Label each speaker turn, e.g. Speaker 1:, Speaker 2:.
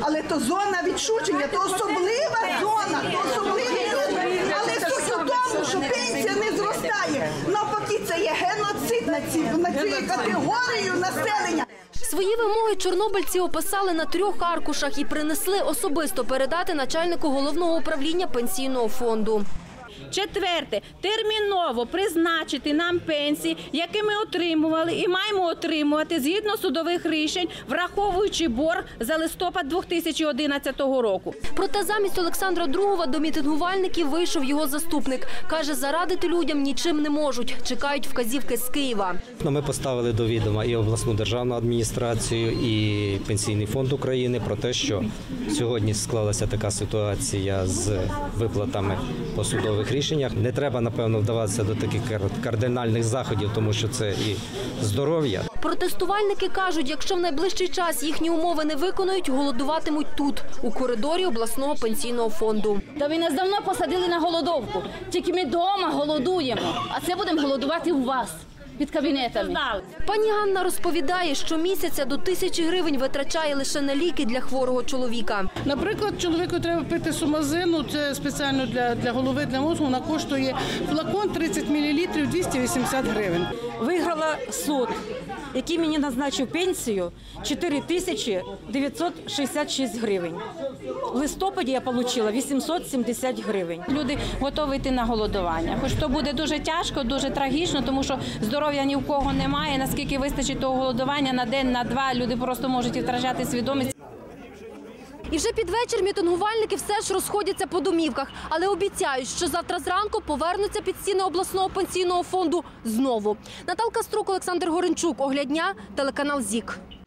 Speaker 1: Але то зона відчуження, то особлива зона, то особливі люди. Але суть у тому, що пенсія не зростає. Навпаки, це є геноцид на цю категорію населення.
Speaker 2: Свої вимоги чорнобильці описали на 3 аркушах і принесли особисто передати начальнику головного управління пенсійного фонду.
Speaker 3: Четверте. Терміново призначити нам пенсії, які ми отримували і маємо отримувати згідно судових рішень, враховуючи борг за листопад 2011 року.
Speaker 2: Проте замість Олександра Другова до мітингувальників вийшов його заступник. Каже, зарадити людям нічим не можуть. Чекають вказівки з Києва.
Speaker 4: Ми поставили до відома і обласну державну адміністрацію, і Пенсійний фонд України про те, що сьогодні склалася така ситуація з виплатами по судових рішеннях. Не треба, напевно, вдаватися до таких кардинальних заходів, тому що це і здоров'я.
Speaker 2: Протестувальники кажуть, якщо в найближчий час їхні умови не виконують, голодуватимуть тут, у коридорі обласного пенсійного фонду.
Speaker 5: Та ви нас давно посадили на голодовку. Тільки ми вдома голодуємо, а це будемо голодувати у вас. Під кабінетами.
Speaker 2: Пані Ганна розповідає, що місяця до 1000 гривень витрачає лише на ліки для хворого чоловіка.
Speaker 6: Наприклад, чоловіку треба пити сумазину, це спеціально для голови, для мозку, вона коштує флакон 30 мл 280 гривень.
Speaker 7: Виграла суд, який мені назначив пенсію 4966 гривень. В листопаді я отримала 870 гривень.
Speaker 3: Люди готові йти на голодування. Хоч то буде дуже тяжко, дуже трагічно, тому що здоров'я ні в кого немає. Наскільки вистачить того голодування на день, на два, люди просто можуть втрачати свідомість.
Speaker 2: І вже під вечір мітингувальники все ж розходяться по домівках, але обіцяють, що завтра зранку повернуться під стіни обласного пенсійного фонду знову. Наталка Струк, Олександр Горенчук. Огляд дня, телеканал ЗІК.